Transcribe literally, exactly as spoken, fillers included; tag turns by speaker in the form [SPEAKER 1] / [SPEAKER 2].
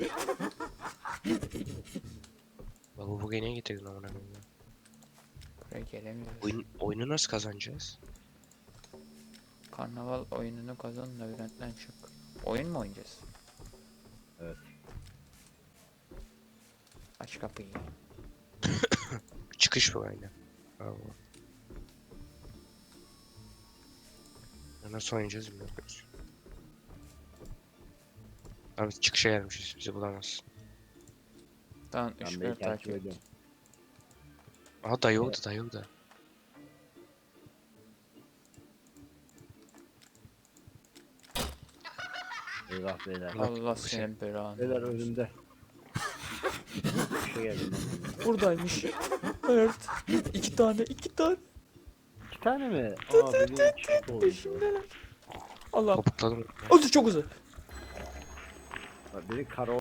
[SPEAKER 1] Bak bu bugün niye getirdin amına koyayım ya?
[SPEAKER 2] Buraya gelemiyoruz.
[SPEAKER 1] Oyun, oyunu nasıl kazanacağız?
[SPEAKER 2] Karnaval oyununu kazan, labirentten çık. Oyun mu oynayacağız?
[SPEAKER 3] Evet.
[SPEAKER 2] Aç kapıyı.
[SPEAKER 1] Çıkış bu aynen. Bravo. Ya nasıl oynayacağız bilmiyoruz. Abi çıkışa gelmişiz. Bizi bulamazsın.
[SPEAKER 2] Tamam,
[SPEAKER 3] Ben
[SPEAKER 2] ışıkları
[SPEAKER 3] beni takip
[SPEAKER 2] takip et.
[SPEAKER 3] ediyorum.
[SPEAKER 1] Aha dayı oldu dayı oldu.
[SPEAKER 3] Eyvah beyler.
[SPEAKER 1] Bak,
[SPEAKER 2] Allah
[SPEAKER 1] bu
[SPEAKER 2] senin belanı.
[SPEAKER 3] Beyler önümde. Bir şey geldi lan.
[SPEAKER 2] Buradaymış. Evet. İki tane, iki tane.
[SPEAKER 3] İki tane mi? Aa biri çift oldu.
[SPEAKER 2] Peşimdeler. Allah.
[SPEAKER 1] Topukladım.
[SPEAKER 2] Hızlı, çok hızlı.
[SPEAKER 3] Bak, biri kara